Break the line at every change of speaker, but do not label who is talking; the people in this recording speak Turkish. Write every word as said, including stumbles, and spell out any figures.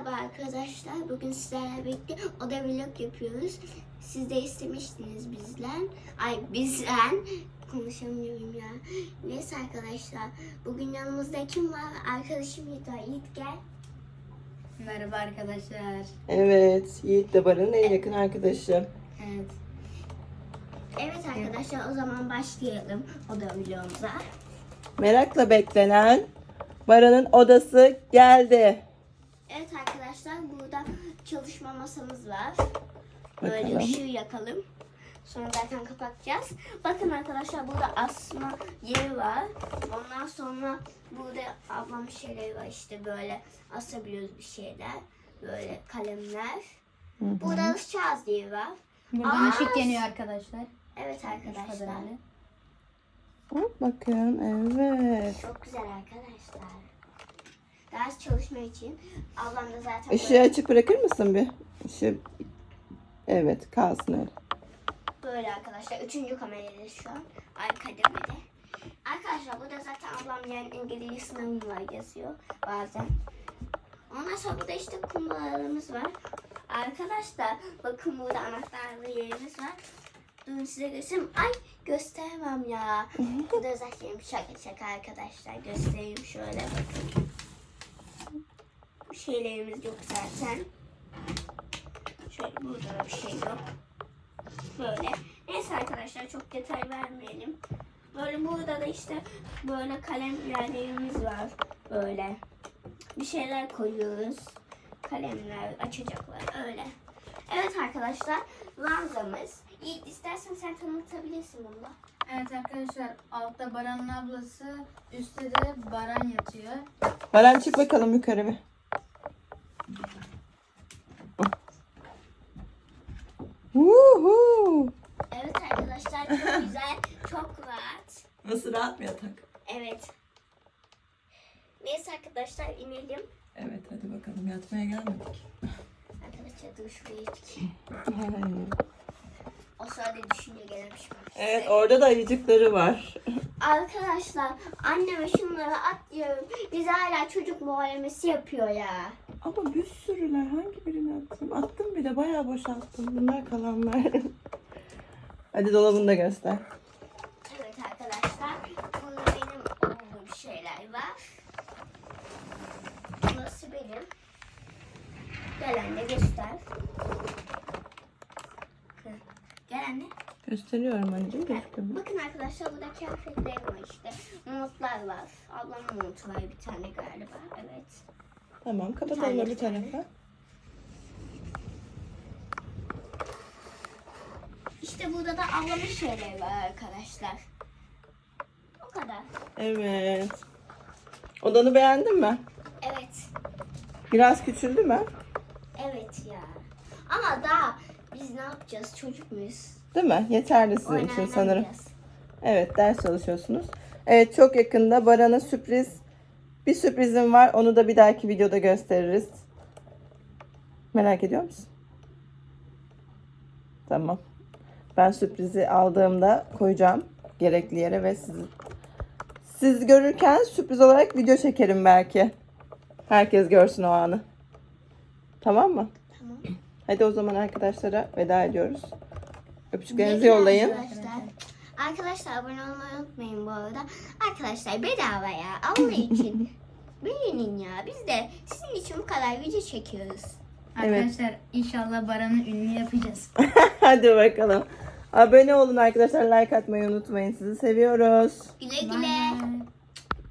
Merhaba arkadaşlar. Bugün sizlerle birlikte oda vlog yapıyoruz. Siz de istemiştiniz bizden. Ay bizden. Konuşamıyorum ya. Neyse arkadaşlar. Bugün yanımızda kim var? Arkadaşım Yiğit var. Yiğit gel.
Merhaba arkadaşlar.
Evet, Yiğit de Baran'ın en yakın arkadaşı.
Evet.
Evet arkadaşlar, o zaman başlayalım oda vlogumuza.
Merakla beklenen Baran'ın odası geldi.
Evet arkadaşlar, burada çalışma masamız var. Böyle
Bakalım.
ışığı yakalım. Sonra zaten kapatacağız. Bakın arkadaşlar, burada asma yeri var. Ondan sonra burada ablam şeyleri var, işte böyle asabiliyoruz bir şeyler. Böyle kalemler.
Hı hı.
Burada ışık yeri var.
Buradan
Aa,
ışık yanıyor arkadaşlar.
Evet arkadaşlar.
Hop bakın, evet.
Çok güzel arkadaşlar. Ders çalışma için. Ablam da zaten
Işığı
böyle,
açık bırakır mısın bir? Işığı... Evet, kalsın öyle.
böyle arkadaşlar. Üçüncü kamerayla şu an. Arka demede. Arkadaşlar burada zaten ablam yani İngilizce sınavı var yazıyor bazen. Ondan sonra burada işte kumbalarımız var. Arkadaşlar bakın burada anahtarlı yerimiz var. Durun size göstereyim. Ay gösteremem ya. Burada özellikle şaka şaka arkadaşlar. Göstereyim şöyle bakın. Bir şeylerimiz yok zaten. Şöyle burada da bir şey yok. Böyle. Neyse arkadaşlar, çok detay vermeyelim. Böyle burada da işte böyle kalem yerlerimiz var. Böyle. Bir şeyler koyuyoruz. Kalemler, açacaklar öyle. Evet arkadaşlar, ranzamız. Yiğit, istersen sen tanıtabilirsin bunu da.
Evet arkadaşlar, altta Baran'ın ablası, üstte de Baran yatıyor.
Baran çık bakalım yukarı bir. Woohoo!
Evet arkadaşlar, çok güzel, çok rahat.
Nasıl, rahat mı yatak?
Evet. Neyse arkadaşlar, inelim.
Evet, hadi bakalım, yatmaya gelmedik.
Arkadaşlar dur şuraya çıkayım. O sırada düşünce gelmiş.
Evet, orada da ayıcıkları var.
Arkadaşlar anneme şunları at diyorum. Biz hala çocuk muhalemesi yapıyor ya.
Ama bir sürüler, hangi birini attım? Attım bir de, bayağı boşalttım. Bunlar kalanlar. Hadi dolabını da göster.
Evet arkadaşlar, burada benim olduğum şeyler var. Burası benim. Gel anne göster. Hı. Gel anne.
Gösteriyorum anneciğim,
Ha,
gözüküyor mu?
bakın arkadaşlar, burada kıyafetler var işte. Montlar var. Ablamın montu var bir tane galiba. Evet.
Tamam,
Bir
kapatalım
tane,
öbür
bir tane.
tarafa.
İşte burada da ablamın şeyleri var arkadaşlar. O kadar.
Evet. Odanı beğendin mi?
Evet.
Biraz küçüldü mü?
Evet ya. Ama daha biz ne yapacağız? Çocuk muyuz?
Değil mi? Yeterli sizin
Oyun
için sanırım.
oynamayacağız.
Evet, ders çalışıyorsunuz. Evet, çok yakında Baran'a sürpriz, bir sürprizim var. Onu da bir dahaki videoda gösteririz. Merak ediyor musun? Tamam. Ben sürprizi aldığımda koyacağım gerekli yere ve siz, siz görürken sürpriz olarak video çekerim belki. Herkes görsün o anı. Tamam mı?
Tamam.
Hadi o zaman arkadaşlara veda ediyoruz. Öpücüklerinizi
Güle güle
yollayın.
Arkadaşlar. Arkadaşlar abone olmayı unutmayın bu arada. Arkadaşlar bedava ya. Allah için. Beğenin ya. Biz de sizin için bu kadar video çekiyoruz.
Evet.
Arkadaşlar inşallah Baran'ı ünlü yapacağız.
Hadi bakalım. Abone olun arkadaşlar. Like atmayı unutmayın. Sizi seviyoruz.
Güle
Bye
güle.
bye.